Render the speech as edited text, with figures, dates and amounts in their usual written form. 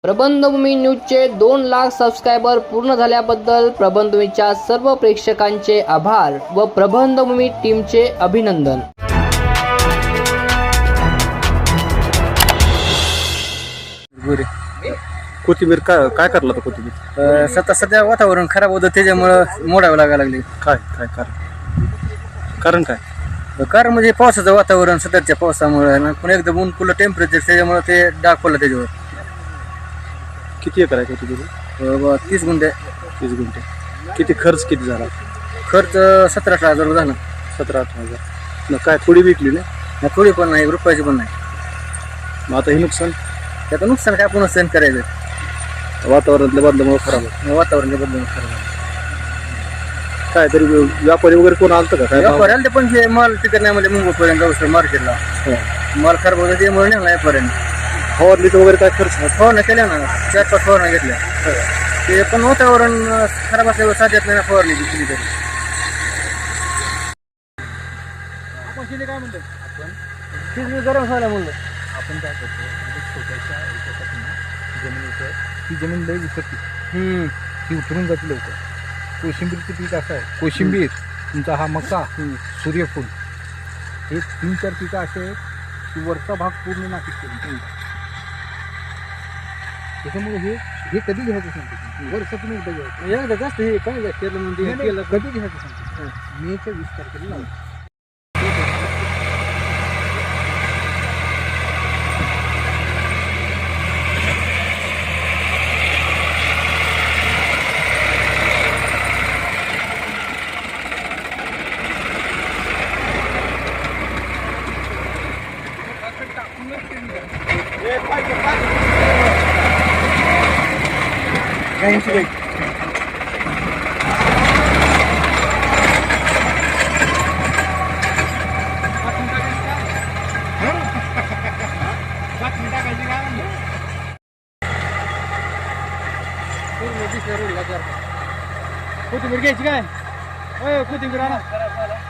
प्रबंधभूमी न्यूजचे 2 lakh subscriber पूर्ण झाल्याबद्दल प्रबंधभूमीच्या सर्व प्रेक्षकांचे आभार व प्रबंधभूमी टीमचे अभिनंदन। कोथिंबीर काय करला तर कोथिंबीर सध्या वातावरण खराब होतं त्याच्यामुळं मोडावं लागायला लागले। काय कारण काय कारण म्हणजे पावसाचं वातावरण सध्याच्या पावसामुळे पण एकदम ऊन पुलं टेम्परेचर त्याच्यामुळे ते डाग पडलं त्याच्यावर। किती एकर आहे कोथिंबीर? 30 गुंठे। 30 गुंठे। किती खर्च किती झाला? खर्च 17-18 हजार झाला। 17-18 हजार। काय थोडी विकली ना? थोडी पण नाही, रुपयाची पण नाही। मग आता हे नुकसान? त्याचं नुकसान काय आपण सहन करायचं? वातावरणातल्या बदलामुळे खराब आहे। वातावरण बदलून खराब काय तरी व्यापारी वगैरे कोण आलतं का? काय व्यापारी आले पण हे माल तिकडे नाही म्हणजे मुंबईपर्यंत जाऊ मार्केटला माल खराब होतं त्यामुळे नाही व्यापाऱ्यांनी फवारणी वगैरे काय खर्च? फवारण्या केल्या ना, 4-5 फवारण्या घेतल्या। ते पण वातावरण खराब असल्यावर साध्यात नाही फवारणी केली तरी। आपण शिले काय म्हणतो? आपण गरम व्हायला म्हणलं आपण काय करतो म्हणजे छोट्याशा याच्यासाठी जमिनीचं ती जमीन लई उतरते ती उतरून जाते लवकर। कोशिंबीरचं पीक असं आहे, कोशिंबीर तुमचा हा मका, सूर्यफूल हे 3-4 पिकं असे आहेत की वरचा भाग पूर्ण नाशिक केली। त्याच्यामुळे हे कधी घ्यायचं सांगतो, वर्षातून एकदा घ्यायचं। एकदा जास्त हे काय केलं म्हणजे केलं कधी घ्यायचं सांगतो, मेच्या 20 तारखेला लावायचं। कोथिंबीर घ्यायची काय? कोथिंबीर आणा।